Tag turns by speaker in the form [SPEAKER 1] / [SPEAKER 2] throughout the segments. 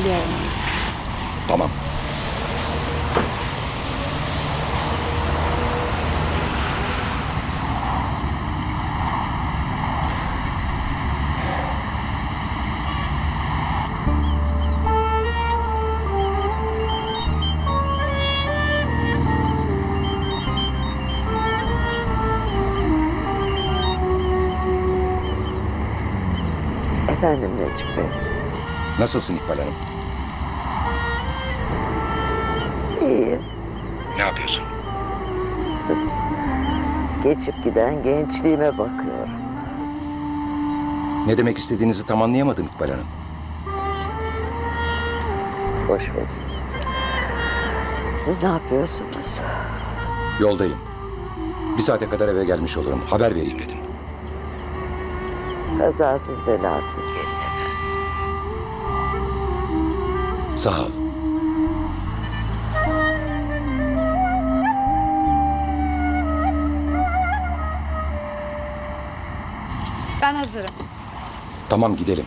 [SPEAKER 1] Geliyorum.
[SPEAKER 2] Tamam.
[SPEAKER 3] Efendim Necip Bey.
[SPEAKER 2] Nasılsın İkbal Hanım?
[SPEAKER 3] İyiyim.
[SPEAKER 2] Ne yapıyorsun?
[SPEAKER 3] Geçip giden gençliğime bakıyorum.
[SPEAKER 2] Ne demek istediğinizi tam anlayamadım İkbal Hanım.
[SPEAKER 3] Boş verin. Siz ne yapıyorsunuz?
[SPEAKER 2] Yoldayım. Bir saate kadar eve gelmiş olurum. Haber vereyim dedim.
[SPEAKER 3] Kazasız belasız gelin efendim.
[SPEAKER 2] Sağ ol.
[SPEAKER 1] Ben hazırım.
[SPEAKER 2] Tamam gidelim.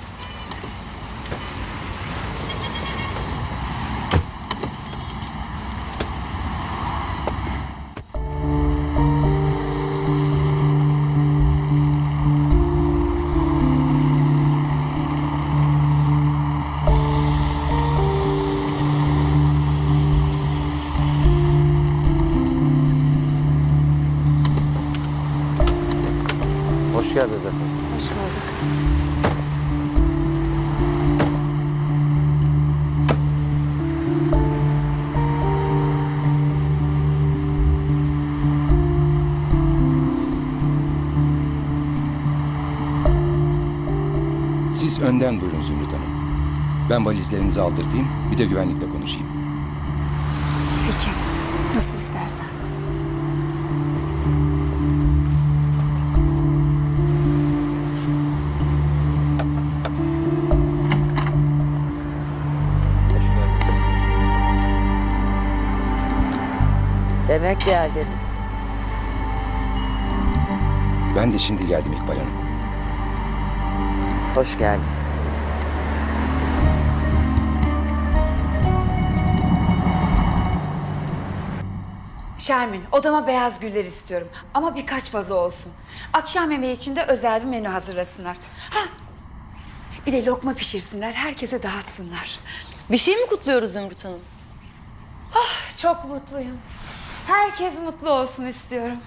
[SPEAKER 4] Hoş geldiniz efendim.
[SPEAKER 1] Hoş bulduk.
[SPEAKER 2] Siz önden buyurun Zümrüt Hanım. Ben valizlerinizi aldırtayım, bir de güvenlikle konuşayım.
[SPEAKER 1] Peki. Nasıl istersen.
[SPEAKER 4] Hoş geldiniz.
[SPEAKER 3] Demek geldiniz.
[SPEAKER 2] Ben de şimdi geldim İkbal Hanım.
[SPEAKER 3] Hoş gelmişsiniz.
[SPEAKER 5] Şermin, odama beyaz güller istiyorum. Ama birkaç vazo olsun. Akşam yemeği için de özel bir menü hazırlasınlar. Ha, bir de lokma pişirsinler, herkese dağıtsınlar.
[SPEAKER 6] Bir şey mi kutluyoruz Zümrüt Hanım?
[SPEAKER 5] Çok mutluyum. Herkes mutlu olsun istiyorum.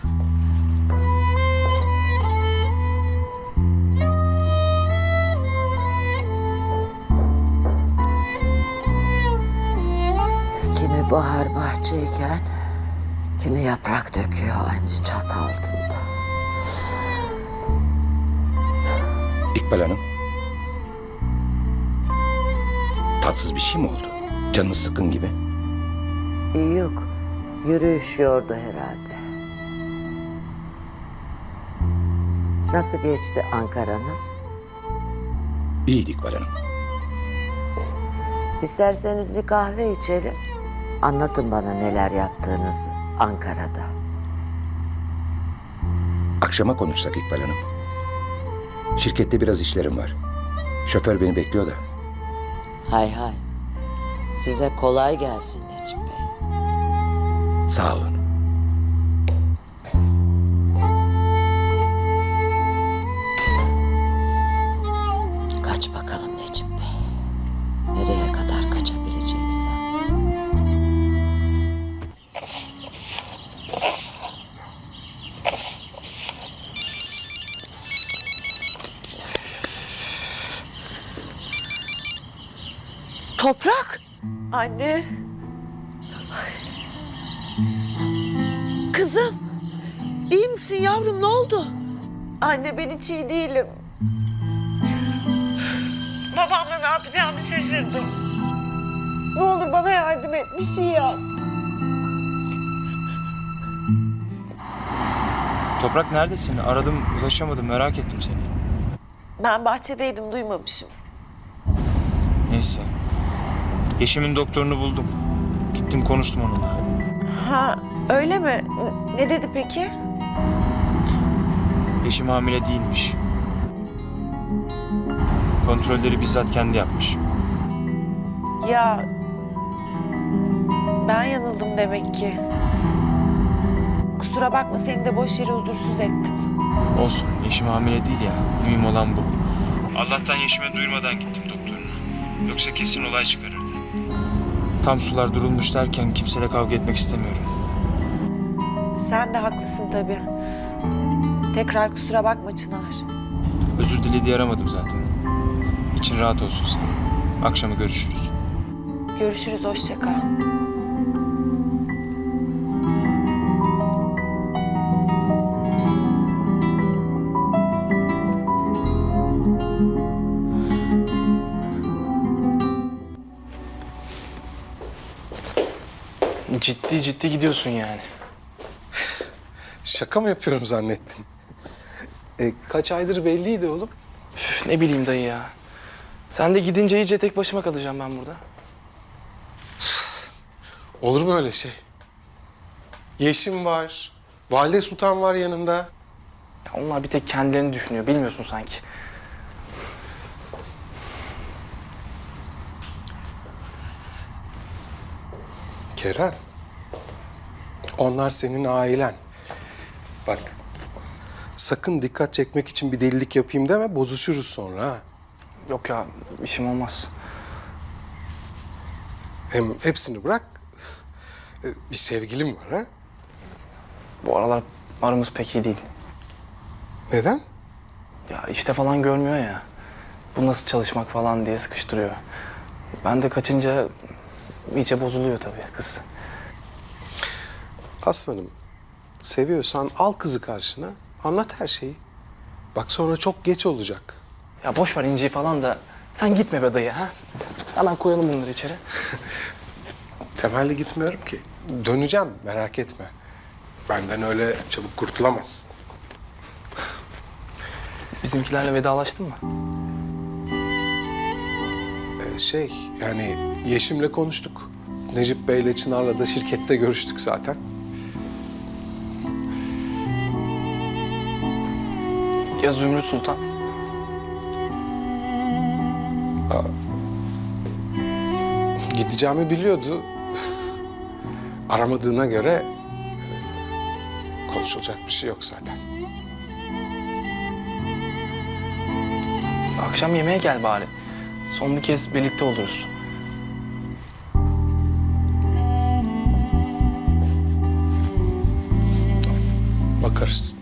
[SPEAKER 3] Kimi bahar bahçeyken, kimi yaprak döküyor aynı çatı altında.
[SPEAKER 2] İkbal Hanım. Tatsız bir şey mi oldu? Canınız sıkkın gibi.
[SPEAKER 3] Yok, yürüyüş yordu herhalde. Nasıl geçti Ankara'nız?
[SPEAKER 2] İyiydi İkbal Hanım.
[SPEAKER 3] İsterseniz bir kahve içelim. Anlatın bana neler yaptığınızı Ankara'da.
[SPEAKER 2] Akşama konuşsak İkbal Hanım. Şirkette biraz işlerim var. Şoför beni bekliyor da.
[SPEAKER 3] Hay hay. Size kolay gelsin Necip Bey.
[SPEAKER 2] Sağ olun.
[SPEAKER 3] Kaç bakalım Necip Bey. Nereye kadar kaçabileceksen.
[SPEAKER 7] Toprak. Anne. Kızım. İyi misin yavrum, ne oldu? Anne, ben hiç iyi değilim. Babamla ne yapacağımı şaşırdım. Ne olur bana yardım et, bir şey yap.
[SPEAKER 4] Toprak neredesin? Aradım, ulaşamadım. Merak ettim seni.
[SPEAKER 7] Ben bahçedeydim, duymamışım.
[SPEAKER 4] Neyse. Yeşim'in doktorunu buldum. Gittim konuştum onunla.
[SPEAKER 7] Ha, öyle mi? Ne dedi peki?
[SPEAKER 4] Yeşim hamile değilmiş. Kontrolleri bizzat kendi yapmış.
[SPEAKER 7] Ya ben yanıldım demek ki. Kusura bakma seni de boş yere huzursuz ettim.
[SPEAKER 4] Olsun. Yeşim hamile değil ya. Mühim olan bu. Allah'tan Yeşim'e duyurmadan gittim doktoruna. Yoksa kesin olay çıkarırdı. Tam sular durulmuş derken kimseyle kavga etmek istemiyorum.
[SPEAKER 7] Sen de haklısın tabii. Tekrar kusura bakma Çınar.
[SPEAKER 4] Özür dile diye aramadım zaten. İçin rahat olsun senin. Akşama görüşürüz.
[SPEAKER 7] Görüşürüz, hoşça kal.
[SPEAKER 8] Ciddi ciddi gidiyorsun yani.
[SPEAKER 9] Şaka mı yapıyorum zannettin? Kaç aydır belliydi oğlum.
[SPEAKER 8] Üf, ne bileyim dayı ya. Sen de gidince iyice tek başıma kalacağım ben burada.
[SPEAKER 9] Olur mu öyle şey? Yeşim var, Valide Sultan var yanında.
[SPEAKER 8] Ya onlar bir tek kendilerini düşünüyor. Bilmiyorsun sanki.
[SPEAKER 9] Kerem, onlar senin ailen. Bak, sakın dikkat çekmek için bir delilik yapayım deme, bozuşuruz sonra ha.
[SPEAKER 8] Yok ya, işim olmaz.
[SPEAKER 9] Hem hepsini bırak, bir sevgilim var ha.
[SPEAKER 8] Bu aralar aramız pek iyi değil.
[SPEAKER 9] Neden?
[SPEAKER 8] Ya işte falan görmüyor ya. Bu nasıl çalışmak falan diye sıkıştırıyor. Ben de kaçınca iyice bozuluyor tabii kız.
[SPEAKER 9] Aslanım, seviyorsan al kızı karşına, anlat her şeyi. Bak sonra çok geç olacak.
[SPEAKER 8] Ya boş ver İnci'yi falan da sen gitme be dayı ha. Hemen koyalım bunları içeri.
[SPEAKER 9] Temelli gitmiyorum ki. Döneceğim, merak etme. Benden öyle çabuk kurtulamazsın.
[SPEAKER 8] Bizimkilerle vedalaştın mı?
[SPEAKER 9] Yani Yeşim'le konuştuk. Necip Bey'le Çınar'la da şirkette görüştük zaten.
[SPEAKER 8] Ya Zümrüt Sultan?
[SPEAKER 9] Gideceğimi biliyordu. Aramadığına göre konuşulacak bir şey yok zaten.
[SPEAKER 8] Akşam yemeğe gel bari. Son bir kez birlikte oluruz.
[SPEAKER 9] Bakarız.